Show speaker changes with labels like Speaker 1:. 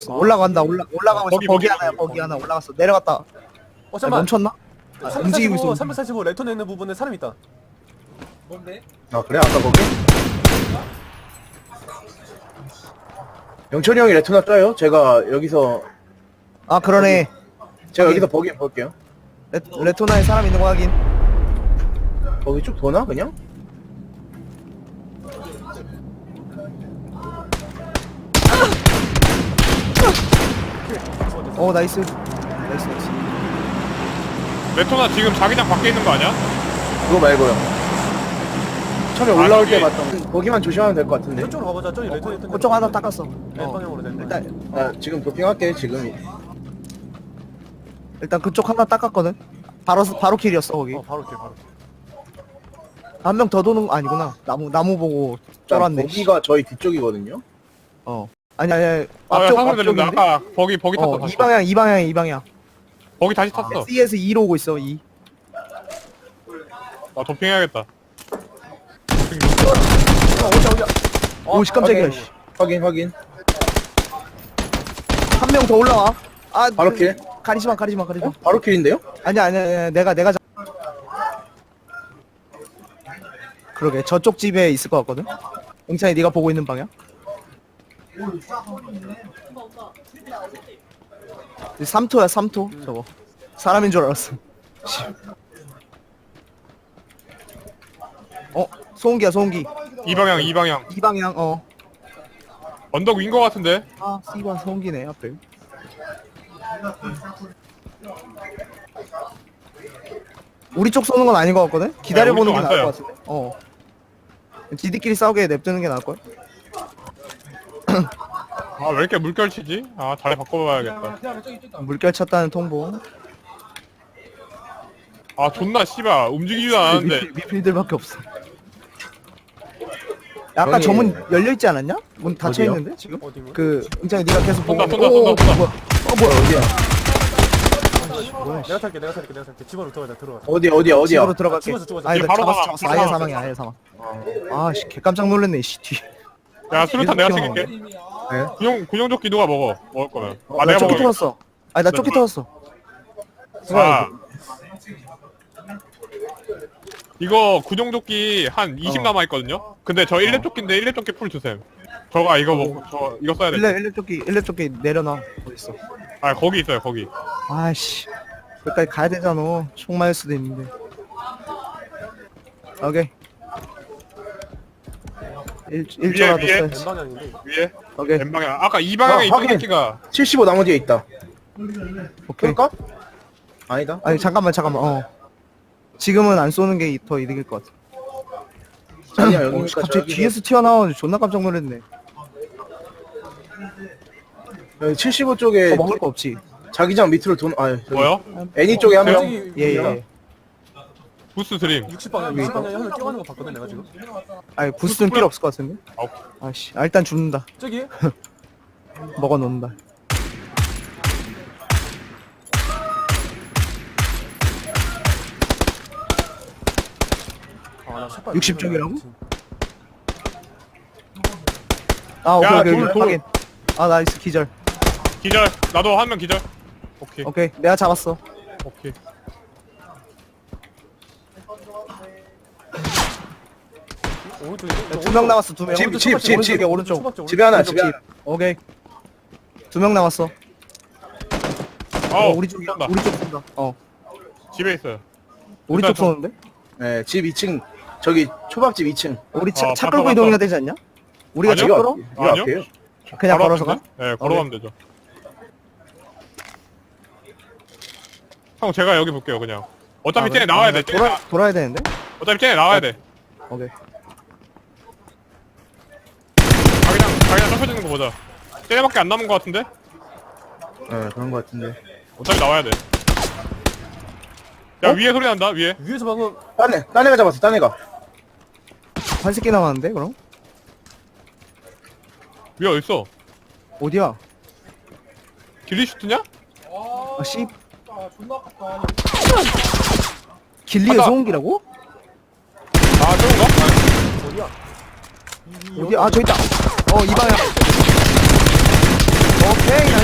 Speaker 1: 올라간다. 올라가고 있어.
Speaker 2: 거기,
Speaker 1: 거기
Speaker 2: 거기,
Speaker 1: 하나야.
Speaker 2: 거기,
Speaker 1: 거기 하나 올라갔어. 내려갔다.
Speaker 3: 어 잠깐만.
Speaker 1: 멈췄나? 움직이고 있어.
Speaker 3: 345 레턴에 있는 부분에 사람 있다.
Speaker 4: 아 그래? 아까 거기? 영철이 형이 레토나 떠요? 제가 여기서
Speaker 1: 아 그러네.
Speaker 4: 제가
Speaker 1: 거기.
Speaker 4: 여기서 버기 볼게요.
Speaker 1: 레토나에 사람 있는 거 확인.
Speaker 4: 거기 쭉 도나 그냥?
Speaker 1: 나이스.
Speaker 2: 레토나 지금 자기장 밖에 있는 거 아니야?
Speaker 4: 그거 말고요. 처음에
Speaker 2: 아,
Speaker 4: 올라올
Speaker 2: 저기.
Speaker 4: 때 봤던 거기만 조심하면 될 것 같은데.
Speaker 3: 저쪽으로 가보자. 저기 레턴에 있던
Speaker 1: 그쪽 하나 닦았어.
Speaker 3: 네 방향으로 된 거.
Speaker 1: 일단
Speaker 4: 지금 도핑할게 지금.
Speaker 1: 그쪽 하나 닦았거든. 바로 킬이었어 거기.
Speaker 3: 바로 길 바로.
Speaker 1: 한 명 더 도는 거 아니구나. 나무 보고 쫄았네.
Speaker 4: 거기가 저희 뒤쪽이거든요.
Speaker 1: 아니
Speaker 2: 사소리
Speaker 1: 앞쪽인데.
Speaker 2: 들린다. 아까 버기 탔어. 다시.
Speaker 1: 이 방향.
Speaker 2: 버기 다시 탔어.
Speaker 1: C에서 2로 오고 있어. 2.
Speaker 2: 아 도핑해야겠다.
Speaker 1: 오씨 깜짝이야. 씨.
Speaker 4: 확인.
Speaker 1: 한 명 더 올라와.
Speaker 4: 바로 킬.
Speaker 1: 가리지마.
Speaker 4: 바로 킬인데요?
Speaker 1: 아니야. 내가 그러게 저쪽 집에 있을 것 같거든. 영찬이 네가 보고 있는 방향. 3토야 3토 저거. 사람인 줄 알았어. 소음기야 소음기.
Speaker 2: 이 방향.
Speaker 1: 이 방향.
Speaker 2: 언덕 위인 거 같은데.
Speaker 1: C관 소음기네 앞에. 우리 쪽 쏘는 건 아닌 것 같거든? 기다려보는 게
Speaker 2: 우리 쪽
Speaker 1: 나을
Speaker 2: 안
Speaker 1: 것 같은데? 지들끼리 싸우게 냅두는 게 나을 걸?
Speaker 2: 아 왜 이렇게 물결 치지? 아 자리 바꿔봐야겠다.
Speaker 1: 물결 찼다는 통보.
Speaker 2: 아 존나 씨발 움직이지도 않았는데.
Speaker 1: 미필들밖에 없어. 아까
Speaker 4: 형이-
Speaker 1: 저 문 열려있지 않았냐? 문 닫혀있는데 지금?
Speaker 3: 어디 문?
Speaker 1: 은장이 네가 계속 보고
Speaker 2: 쏜다.
Speaker 1: 뭐야
Speaker 4: 어디야?
Speaker 3: 내가 탈게. 집안으로 들어가.
Speaker 4: 어디야?
Speaker 1: 집으로 들어갈게.
Speaker 3: 죽었어.
Speaker 1: 아니 나
Speaker 2: 바로
Speaker 1: 잡았어
Speaker 2: 사망,
Speaker 1: 아예
Speaker 2: 바로
Speaker 1: 사망이야 아예 사망. 아씨 개깜짝 놀랐네 씨 뒤.
Speaker 2: 야 수류탄 내가
Speaker 1: 계속
Speaker 2: 챙길게.
Speaker 4: 네?
Speaker 2: 군용조끼 누가 먹을 거면.
Speaker 1: 나
Speaker 2: 내가
Speaker 1: 쪼끼
Speaker 2: 먹을게.
Speaker 1: 터졌어. 아니 나 쪼끼 터졌어.
Speaker 2: 아 이거 군용조끼 한 20 남아있거든요? 근데 저 1렙 조끼인데 1렙 조끼 풀 주셈. 저거 이거 이거 써야 돼.
Speaker 1: 일렙 쪼끼 내려놔. 어딨어?
Speaker 2: 아 거기 있어요 거기.
Speaker 1: 아씨 여기까지 가야 되잖아. 총 맞을 수도 있는데. 오케이.
Speaker 2: 위에.
Speaker 1: 1조라도 써야지.
Speaker 3: N방향인데.
Speaker 2: 위에
Speaker 1: 오케이
Speaker 2: N방향. 아까 이 방향에 있던
Speaker 4: 확인.
Speaker 2: 조끼가
Speaker 4: 75 나무 뒤에 있다.
Speaker 1: 오케이.
Speaker 4: 그럴까? 아니다.
Speaker 1: 아니 잠깐만 지금은 안 쏘는 게 더 이득일 것 같아.
Speaker 4: 자기야 여기니까
Speaker 1: 갑자기 뒤에서 튀어나와 존나 깜짝 놀랐네.
Speaker 4: 여기 75 쪽에
Speaker 1: 더 먹을 거 없지?
Speaker 4: 자기장 밑으로
Speaker 2: 뭐요?
Speaker 4: 애니 쪽에 한 명.
Speaker 3: 저기
Speaker 1: 예.
Speaker 2: 부스 드림.
Speaker 3: 60방향 60방향에 한명 뛰어가는 거 봤거든 내가 지금.
Speaker 1: 아니 부스는 필요 없을 것 같은데?
Speaker 2: 아우.
Speaker 1: 아씨 일단 죽는다.
Speaker 3: 저기
Speaker 1: 먹어 놓는다.
Speaker 3: 나 샷발
Speaker 1: 60 쪽이라고?
Speaker 2: 야,
Speaker 1: 오케이
Speaker 2: 돌.
Speaker 1: 확인. 나이스 기절.
Speaker 2: 기절. 나도 한 명 기절. 오케이.
Speaker 1: 오케이 내가 잡았어.
Speaker 2: 오케이.
Speaker 3: 오른쪽에
Speaker 1: 2명 남았어 2명.
Speaker 4: 집.
Speaker 1: 오른쪽.
Speaker 4: 집에 하나,
Speaker 1: 오른쪽
Speaker 4: 집에 하나.
Speaker 1: 오케이. 2명 남았어.
Speaker 2: 아우
Speaker 1: 우리 쪽이야.
Speaker 2: 쏜다.
Speaker 1: 우리 쪽 쏜다.
Speaker 2: 집에 있어요.
Speaker 1: 우리
Speaker 2: 일단
Speaker 1: 쪽 쏘는데?
Speaker 4: 네, 집 2층. 저기 초밥집 2층.
Speaker 1: 우리 차
Speaker 2: 봤어,
Speaker 1: 끌고
Speaker 2: 봤어.
Speaker 1: 이동해야 되지 않냐? 우리가 차
Speaker 2: 아니요.
Speaker 1: 끌어?
Speaker 4: 이거
Speaker 2: 아니요?
Speaker 4: 앞에요.
Speaker 1: 그냥 걸어서 가?
Speaker 2: 가면 돼? 네, 걸어가면 되죠. 형 제가 여기 볼게요 그냥. 어차피 쟤네 나와야 돼. 쟤네
Speaker 1: 돌아야 되는데?
Speaker 2: 어차피 쟤네 나와야 돼.
Speaker 1: 오케이.
Speaker 2: 자기장 좁혀지는 거 보자. 쟤네밖에 안 남은 거 같은데?
Speaker 4: 네, 그런 거 같은데.
Speaker 2: 어차피 나와야 돼. 야 위에 소리 난다 위에.
Speaker 3: 위에서 방금
Speaker 4: 딴 애가 잡았어, 딴 애가.
Speaker 1: 한 새끼 남았는데 그럼?
Speaker 2: 위에 어딨어?
Speaker 1: 어디야?
Speaker 2: 길리슈트냐?
Speaker 1: 씨. 길리의
Speaker 2: 간다.
Speaker 1: 소음기라고?
Speaker 2: 아 저건가?
Speaker 3: 어디야?
Speaker 1: 어디야? 저 있다. 이 방향. 오케이